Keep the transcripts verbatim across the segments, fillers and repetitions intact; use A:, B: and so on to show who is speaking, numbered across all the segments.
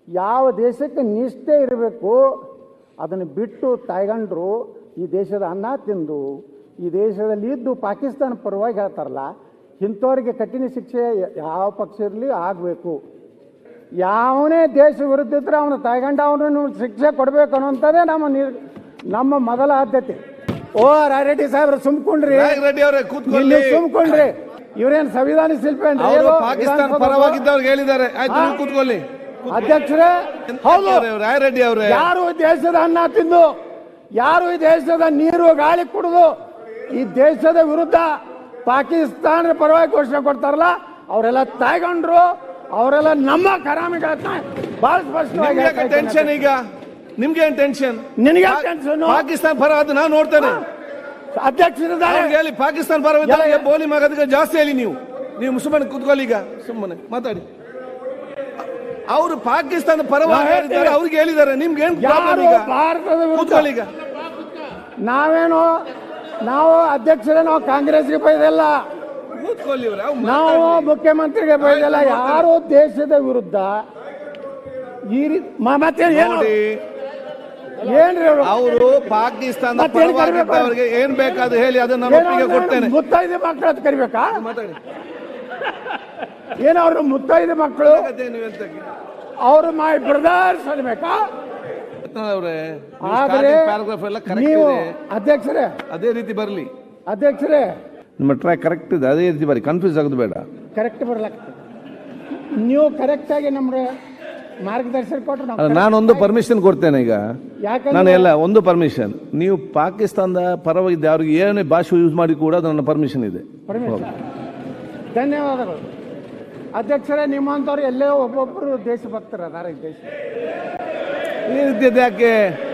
A: ಯಾವ ದೇಶಕ್ಕೆ ನಿಷ್ಠೆ ಇರಬೇಕು ಅದನ್ನು ಬಿಟ್ಟು ತಾಯ್ಗಂಡ್ರು ಈ ದೇಶದ ಅನ್ನ ತಿಂದು ಈ ದೇಶದಲ್ಲಿ ಇದ್ದು ಪಾಕಿಸ್ತಾನ ಪರವಾಗಿ ಹೇಳ್ತಾರಲ್ಲ, ಇಂಥವ್ರಿಗೆ ಕಠಿಣ ಶಿಕ್ಷೆ ಯಾವ ಪಕ್ಷ ಇರಲಿ ಆಗಬೇಕು. ಯಾವನೇ ದೇಶ ವಿರುದ್ಧ ಇದ್ರೆ ಅವನು ತಾಯ್ಗಂಡ ಅವನು ಶಿಕ್ಷೆ ಕೊಡಬೇಕು ಅನ್ನೋಂಥದ್ದೇ ನಮ್ಮ ನಿರ್ ನಮ್ಮ ಮೊದಲ ಆದ್ಯತೆ. ಓ ರಾಯರೆಡ್ಡಿ ಸಾಹೇಬ್ರ ಸುಮ್ಕೊಂಡ್ರಿ, ಇಲ್ಲಿ ಸುಮ್ಕೊಂಡ್ರಿ. ಇವ್ರೇನ್ ಸಂವಿಧಾನ ಶಿಲ್ಪಿ
B: ಪಾಕಿಸ್ತಾನ ಪರವಾಗಿದ್ದವ್ರಿಗೆ ಹೇಳಿದ್ದಾರೆ. ಕೂತ್ಕೊಳ್ಳಿ
A: ಅಧ್ಯಕ್ಷರೇ. ಹೌದು,
B: ರಾಯರೆಡ್ಡಿ ಅವರೇ,
A: ಯಾರು ದೇಶದ ಅನ್ನ ತಿಂದು, ಯಾರು ಈ ದೇಶದ ನೀರು ಗಾಳಿ ಕುಡಿದು ಈ ದೇಶದ ವಿರುದ್ಧ ಪಾಕಿಸ್ತಾನದ ಪರವಾಗಿ ಘೋಷಣೆ ಕೊಡ್ತಾರಲ್ಲ, ಅವರೆಲ್ಲ ತಾಯ್ಗೊಂಡ್ರು, ಅವರೆಲ್ಲ ನಮ್ಮ ಕರಾಮಿಗಳನ್ನ ಬಹಳ ಸ್ಪಷ್ಟವಾಗಿ.
B: ಟೆನ್ಷನ್ ಈಗ ನಿಮ್ಗೆ ಟೆನ್ಷನ್,
A: ನಿನಗೆ ಟೆನ್ಷನ್.
B: ಪಾಕಿಸ್ತಾನ ಪರ ಅದು ನಾವು ನೋಡ್ತೇನೆ.
A: ಅಧ್ಯಕ್ಷರಿದ್ದಾರೆ
B: ಹೇಳಿ, ಪಾಕಿಸ್ತಾನ ಪರ ಬೋಲಿ ಮಗದಕ್ಕೆ ಜಾಸ್ತಿ ಹೇಳಿ. ನೀವು ನೀವು ಸುಮ್ಮನೆ ಕೂತ್ಕೊಳ್ಳಿ, ಈಗ ಸುಮ್ಮನೆ ಮಾತಾಡಿ. ಅವರು ಪಾಕಿಸ್ತಾನ ಪರವಾಗಿ ಹೇಳಿದ್ದಾರೆ, ಅವ್ರಿಗೆ ಹೇಳಿದ್ದಾರೆ. ನಿಮ್ಗೆ ಏನು
A: ಭಾರತದ
B: ಕೂತ್ಕೊಳ್ಳಿ ಈಗ.
A: ನಾವೇನು ನಾವು ಅಧ್ಯಕ್ಷರೇ, ನಾವು ಕಾಂಗ್ರೆಸ್ಗೆ ಬೈದಲ್ಲ,
B: ಕೂತ್ಕೊಳ್ಳಿ.
A: ನಾವು ಮುಖ್ಯಮಂತ್ರಿಗೆ ಬೈದಲ್ಲ. ಯಾರು ದೇಶದ ವಿರುದ್ಧ ಈ ರೀತಿ ಮತ್ತೆ ಏನ್ರಿ
B: ಅವರು ಪಾಕಿಸ್ತಾನ ಪರವಾಗಿದ್ದವರಿಗೆ ಏನ್ ಬೇಕಾದ್ರು ಹೇಳಿ, ಅದನ್ನ ಒಪ್ಪಿಗೆ ಕೊಡ್ತೇನೆ.
A: ಮುತ್ತೈದೆ ಮಕ್ಕಳು ಅಂತ ಕರಿಬೇಕಾ? ಏನ ಅವ್ರ ಮುತ್ತೈದೆ ಮಕ್ಕಳು, ಅವರು ಮೈ ಬ್ರದರ್ಸ್ ಅನ್ಬೇಕಾ? ನೀವು ಅಧ್ಯಕ್ಷರೇ
B: ಅದೇ ರೀತಿ ಬರಲಿ.
A: ಅಧ್ಯಕ್ಷರೇ,
B: ನಿಮ್ಮ ಟ್ರ್ಯಾಕ್ ಕರೆಕ್ಟ್ ಇದೆ, ಅದೇ ರೀತಿ ಬರಿ, ಕನ್ಫ್ಯೂಸ್ ಆಗೋದು ಬೇಡ.
A: ಕರೆಕ್ಟ್ ಬರ್ಲಾಗ್ತದೆ. ನೀವು ಕರೆಕ್ಟ್ ಆಗಿ ನಮ್ಗೆ ಮಾರ್ಗದರ್ಶನ ಕೊಟ್ಟರೆ
B: ನಾನೊಂದು ಪರ್ಮಿಷನ್ ಕೊಡ್ತೇನೆ ಈಗ. ನಾನು ಎಲ್ಲ ಒಂದು ಪರ್ಮಿಷನ್, ನೀವು ಪಾಕಿಸ್ತಾನದ ಪರವಾಗಿದ್ದ ಅವ್ರಿಗೆ ಏನೇ ಭಾಷೆ ಯೂಸ್ ಮಾಡಿ ಕೂಡ ಅದು ನನ್ನ ಪರ್ಮಿಷನ್ ಇದೆ.
A: ಧನ್ಯವಾದಗಳು ಅಧ್ಯಕ್ಷರೇ. ನಿಮ್ಮಂಥವ್ರು ಎಲ್ಲೇ ಒಬ್ಬೊಬ್ಬರು ದೇಶಭಕ್ತರು ಅದಾರ ಈ ದೇಶ.
B: ಈ ರೀತಿ ಯಾಕೆ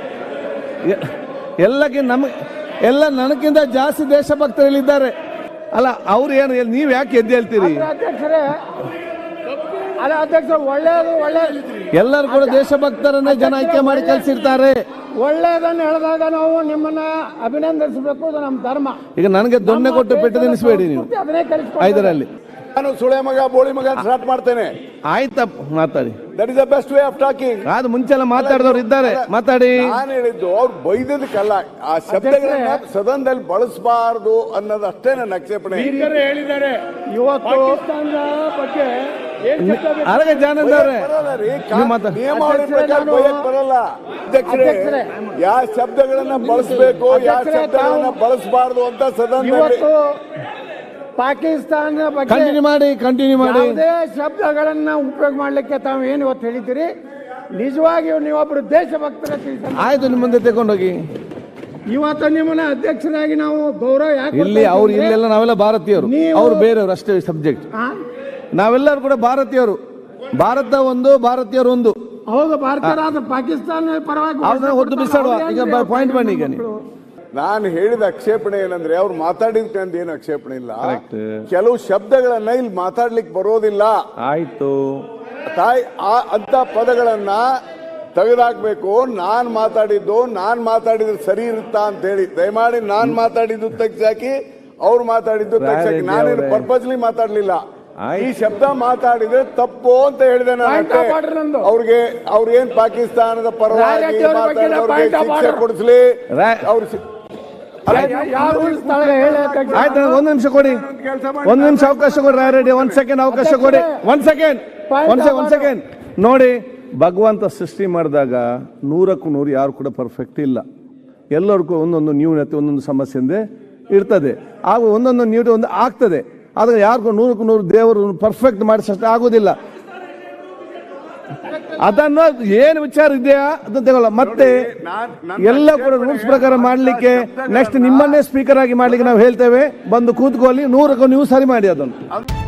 B: ಎಲ್ಲಕ್ಕೆ ನಮ ಎಲ್ಲ ನನಗಿಂತ ಜಾಸ್ತಿ ದೇಶಭಕ್ತರಿದ್ದಾರೆ ಅಲ್ಲ, ಅವ್ರು ಏನು ನೀವು ಯಾಕೆ ಎದ್ದು ಹೇಳ್ತೀರಿ?
A: ಅಧ್ಯಕ್ಷರೇ ಅಲ್ಲ ಅಧ್ಯಕ್ಷ, ಒಳ್ಳೇದು ಒಳ್ಳೇದು
B: ಎಲ್ಲರೂ ಕೂಡ ದೇಶಭಕ್ತರನ್ನೇ ಜನ ಆಯ್ಕೆ ಮಾಡಿ ಕಳಿಸಿರ್ತಾರೆ.
A: ಒಳ್ಳೇದನ್ನು ಹೇಳಿದಾಗ ನಾವು ನಿಮ್ಮನ್ನ ಅಭಿನಂದಿಸಬೇಕು, ಅದು ನಮ್ಮ ಧರ್ಮ.
B: ಈಗ ನನಗೆ ದೊಣ್ಣೆ ಕೊಟ್ಟು ಪೆಟ್ಟು ತಿನ್ನಿಸಬೇಡಿ ನೀವು ಐದರಲ್ಲಿ.
C: ನಾನು ಸುಳೆ ಮಗ ಬೋಳಿ ಮಗ ಸ್ಟಾರ್ಟ್ ಮಾಡ್ತೇನೆ.
B: ಆಯ್ತಾ, ಮಾತಾಡಿ.
C: That is the best way of talking.
B: ಅದು ಮುಂಚೆಲ್ಲ ಮಾತಾಡಿದವರು ಇದ್ದಾರೆ, ಮಾತಾಡಿ.
C: ನಾನು ಹೇಳಿದ್ದು ಅವ್ರು ಬೈದದಕ್ಕಲ್ಲ, ಆ ಶಬ್ದಗಳನ್ನ ಸದನದಲ್ಲಿ ಬಳಸಬಾರದು ಅನ್ನೋದು ಅಷ್ಟೇ ನನ್ನ ಆಕ್ಷೇಪಣೆ.
A: ಹೇಳಿದ್ದಾರೆ ಇವತ್ತು ಬಗ್ಗೆ
B: ಅರಗ ಜಾನಂದ ಅವರೇ,
C: ನಿಯಮಾವಳಿ ಪ್ರಕಾರ ಬೈಯಕ್ ಬರಲ್ಲ ಅಧ್ಯಕ್ಷರೇ. ಯಾವ ಶಬ್ದಗಳನ್ನ ಬಳಸಬೇಕು, ಯಾವ ಶಬ್ದಗಳನ್ನ ಬಳಸಬಾರದು ಅಂತ ಸದನದಲ್ಲಿ
A: ಪಾಕಿಸ್ತಾನ ಬಗ್ಗೆ
B: ಕಂಟಿನ್ಯೂ ಮಾಡಿ ಕಂಟಿನ್ಯೂ ಮಾಡಿ
A: ಯಾವುದೇ ಶಬ್ದಗಳನ್ನ ಉಪಯೋಗ ಮಾಡ್ಲಿಕ್ಕೆ ತಾವು ಏನು ಇವತ್ತು ಹೇಳಿದ್ದೀರಿ, ನಿಜವಾಗಿಯೂ ನೀವೊಬ್ರು ದೇಶಭಕ್ತರ.
B: ಆಯ್ತು, ನಿಮ್ಮ ಮುಂದೆ ತಗೊಂಡೋಗಿ.
A: ಇವತ್ತು ನಿಮ್ಮನ್ನ ಅಧ್ಯಕ್ಷರಾಗಿ ನಾವು ಗೌರವ ಯಾಕೆ
B: ಇಲ್ಲಿ ಅವ್ರು ಇಲ್ಲೆಲ್ಲ ನಾವೆಲ್ಲ ಭಾರತೀಯರು, ಅವ್ರು ಬೇರೆಯವರು ಅಷ್ಟೇ ಸಬ್ಜೆಕ್ಟ್. ನಾವೆಲ್ಲರೂ ಕೂಡ ಭಾರತೀಯರು. ಭಾರತ ಒಂದು, ಭಾರತೀಯರು ಒಂದು.
A: ಹೌದು, ಭಾರತೀಯರಾದ ಪಾಕಿಸ್ತಾನ ಪರವಾಗಿ
B: ಅವ್ರನ್ನ ಹೊತ್ತು ಬಿಸಾಡುವ. ಈಗ ಪಾಯಿಂಟ್ ಬನ್ನಿ. ಈಗ ನೀವು
C: ನಾನು ಹೇಳಿದ ಆಕ್ಷೇಪಣೆ ಏನಂದ್ರೆ, ಅವ್ರು ಮಾತಾಡಿದ್ಕಂತ ಏನು ಆಕ್ಷೇಪಣೆ ಇಲ್ಲ. ಕೆಲವು ಶಬ್ದಗಳನ್ನ ಇಲ್ಲಿ ಮಾತಾಡ್ಲಿಕ್ಕೆ ಬರೋದಿಲ್ಲ.
B: ಆಯ್ತು
C: ತಾಯಿ ಅಂತ ಪದಗಳನ್ನ ತೆಗೆದಾಕ್ಬೇಕು. ನಾನ್ ಮಾತಾಡಿದ್ದು ನಾನ್ ಮಾತಾಡಿದ್ರೆ ಸರಿ ಇರುತ್ತಾ ಅಂತ ಹೇಳಿ ದಯಮಾಡಿ ನಾನ್ ಮಾತಾಡಿದ್ದು ತೆಗ್ಸಾಕಿ, ಅವ್ರು ಮಾತಾಡಿದ್ದು ತೆಗ್ಸಾಕಿ. ನಾನೇನು ಪರ್ಪಸ್ಲಿ ಮಾತಾಡ್ಲಿಲ್ಲ. ಈ ಶಬ್ದ ಮಾತಾಡಿದ್ರೆ ತಪ್ಪು ಅಂತ ಹೇಳಿದೆ ನಾನು. ಅವ್ರಿಗೆ ಅವ್ರೇನ್ ಪಾಕಿಸ್ತಾನದ ಪರವಾಗಿ ಶಿಕ್ಷೆ ಕೊಡಿಸ್ಲಿ. ಅವ್ರು
B: ಆಯ್ತು, ಒಂದು ನಿಮಿಷ ಕೊಡಿ, ಒಂದು ನಿಮಿಷ ಅವಕಾಶ ಕೊಡಿ ರಾಯರೆಡ್ಡಿ. ಒಂದ್ ಸೆಕೆಂಡ್ ಅವಕಾಶ ಕೊಡಿ. ಒಂದ್ ಸೆಕೆಂಡ್ ಒಂದ್ ಒಂದ್ ಸೆಕೆಂಡ್ ನೋಡಿ. ಭಗವಂತ ಸೃಷ್ಟಿ ಮಾಡಿದಾಗ ನೂರಕ್ಕೂ ನೂರು ಯಾರು ಕೂಡ ಪರ್ಫೆಕ್ಟ್ ಇಲ್ಲ. ಎಲ್ಲರಿಗೂ ಒಂದೊಂದು ನ್ಯೂನತೆ, ಒಂದೊಂದು ಸಮಸ್ಯೆ ಇರ್ತದೆ. ಆಗ ಒಂದೊಂದು ನ್ಯೂನತೆ ಒಂದು ಆಗ್ತದೆ. ಆದ್ರೆ ಯಾರಿಗೂ ನೂರಕ್ಕೂ ನೂರು ದೇವರು ಪರ್ಫೆಕ್ಟ್ ಮಾಡಿಸಷ್ಟೇ ಆಗೋದಿಲ್ಲ. ಅದನ್ನು ಏನು ವಿಚಾರ ಇದೆಯಾ ಅದನ್ನ ತಗೊಳ್ಳ. ಮತ್ತೆ ಎಲ್ಲ ಕೂಡ ರೂಲ್ಸ್ ಪ್ರಕಾರ ಮಾಡ್ಲಿಕ್ಕೆ ನೆಕ್ಸ್ಟ್ ನಿಮ್ಮನ್ನೇ ಸ್ಪೀಕರ್ ಆಗಿ ಮಾಡ್ಲಿಕ್ಕೆ ನಾವು ಹೇಳ್ತೇವೆ. ಬಂದು ಕೂತ್ಕೊಳ್ಳಿ, ನೂರಕ್ಕೂ ನೀವು ಸರಿ ಮಾಡಿ ಅದನ್ನು.